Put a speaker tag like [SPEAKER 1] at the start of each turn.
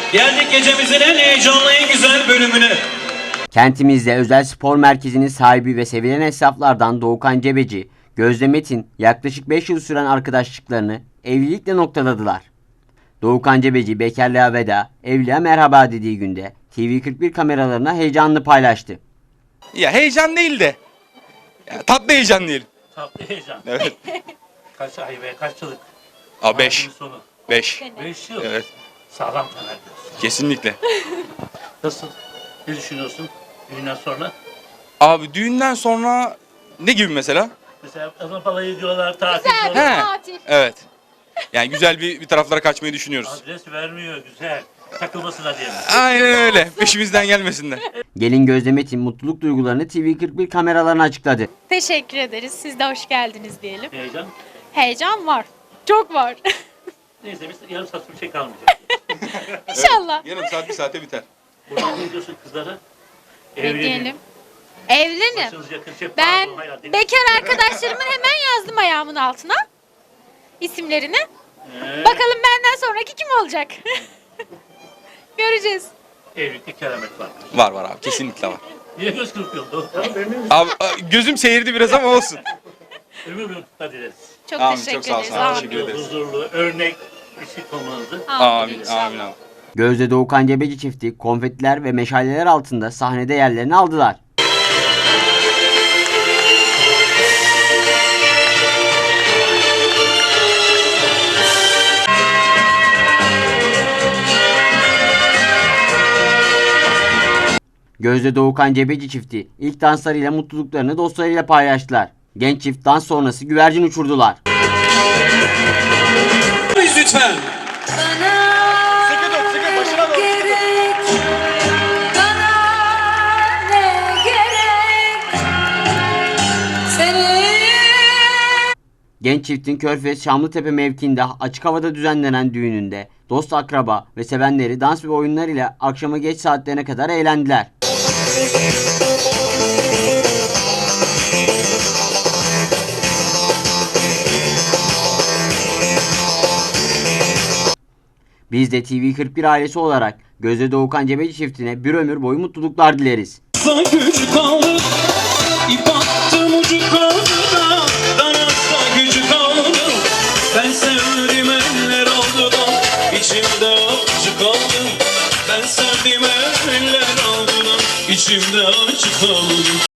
[SPEAKER 1] Geldik gecemizin en heyecanlı, en güzel bölümüne.
[SPEAKER 2] Kentimizde özel spor merkezinin sahibi ve sevilen esnaflardan Doğukan Cebeci, Gözde Metin yaklaşık 5 yıl süren arkadaşlıklarını evlilikle noktaladılar. Doğukan Cebeci bekarlığa veda, evliliğe merhaba dediği günde TV41 kameralarına heyecanını paylaştı.
[SPEAKER 3] Ya heyecan değil de ya, tatlı heyecan diyelim.
[SPEAKER 4] Tatlı heyecan.
[SPEAKER 3] Evet.
[SPEAKER 4] Kaç ay ve kaç yıllık?
[SPEAKER 3] 5.
[SPEAKER 4] Hayatın sonu.
[SPEAKER 3] 5.
[SPEAKER 4] 5 yıl.
[SPEAKER 3] Evet.
[SPEAKER 4] Sağlam temel diyorsun.
[SPEAKER 3] Kesinlikle.
[SPEAKER 4] Nasıl? Ne düşünüyorsun düğünden sonra?
[SPEAKER 3] Abi düğünden sonra ne gibi mesela?
[SPEAKER 4] Mesela adam balayı diyorlar, tatil
[SPEAKER 5] Güzel.
[SPEAKER 4] diyorlar.
[SPEAKER 3] He.
[SPEAKER 5] Tatil.
[SPEAKER 3] Evet. Yani güzel bir taraflara kaçmayı düşünüyoruz.
[SPEAKER 4] Adres vermiyor, güzel. Takılmasına diye mi?
[SPEAKER 3] Aynen öyle. Peşimizden gelmesinler. Gelin
[SPEAKER 2] Gözde Metin mutluluk duygularını TV41 kameralarına açıkladı.
[SPEAKER 5] Teşekkür ederiz. Siz de hoş geldiniz diyelim.
[SPEAKER 4] Heyecan.
[SPEAKER 5] Heyecan var. Çok var.
[SPEAKER 4] Neyse biz yarım saat bir şey kalmayacak.
[SPEAKER 5] İnşallah.
[SPEAKER 3] Yarım saat bir saate biter.
[SPEAKER 4] Buradan ne diyorsun kızlara?
[SPEAKER 5] Bekleyelim. Evlenin.
[SPEAKER 4] Başınız yakın şey.
[SPEAKER 5] Ben
[SPEAKER 4] pardon, hayır, değil.
[SPEAKER 5] bekar arkadaşlarımın hemen yazdım ayağımın altına. İsimlerini.
[SPEAKER 4] Ee,
[SPEAKER 5] Bakalım benden sonraki kim olacak? Göreceğiz.
[SPEAKER 4] Evlilikte keramet var.
[SPEAKER 3] Var abi. Kesinlikle var.
[SPEAKER 4] Niye göz kırpıyorsun?
[SPEAKER 3] Abi gözüm seyirdi biraz ama olsun.
[SPEAKER 4] Ömür boyu kutlar dileriz.
[SPEAKER 5] Çok
[SPEAKER 3] Amin,
[SPEAKER 5] teşekkür
[SPEAKER 3] çok sağ ol,
[SPEAKER 5] ederiz.
[SPEAKER 3] sağ ol.
[SPEAKER 5] Amin.
[SPEAKER 3] Teşekkür ederiz.
[SPEAKER 4] Huzurlu, örnek bir çift olmanızı.
[SPEAKER 3] Amin.
[SPEAKER 5] inşallah.
[SPEAKER 3] Amin abi.
[SPEAKER 2] Gözde Doğukan Cebeci çifti konfetiler ve meşaleler altında sahnede yerlerini aldılar. Gözde Doğukan Cebeci çifti ilk danslarıyla mutluluklarını dostlarıyla paylaştılar. Genç çift dans sonrası güvercin uçurdular.
[SPEAKER 1] Lütfen.
[SPEAKER 3] Sıkı tut, sıkı başına doğru.
[SPEAKER 2] Genç çiftin Körfez Şamlıtepe mevkiinde açık havada düzenlenen düğününde dost akraba ve sevenleri dans ve oyunlar ile akşama geç saatlerine kadar eğlendiler. Biz de TV41 ailesi olarak Gözde Doğukan Cebeci çiftine bir ömür boyu mutluluklar dileriz.
[SPEAKER 1] Gücü kaldı, ip attım ucu kaldı da, danasa gücü kaldı. Ben sevdim eller aldı da, içimde acı kaldı. Ben sevdim eller aldı da, içimde acı kaldı.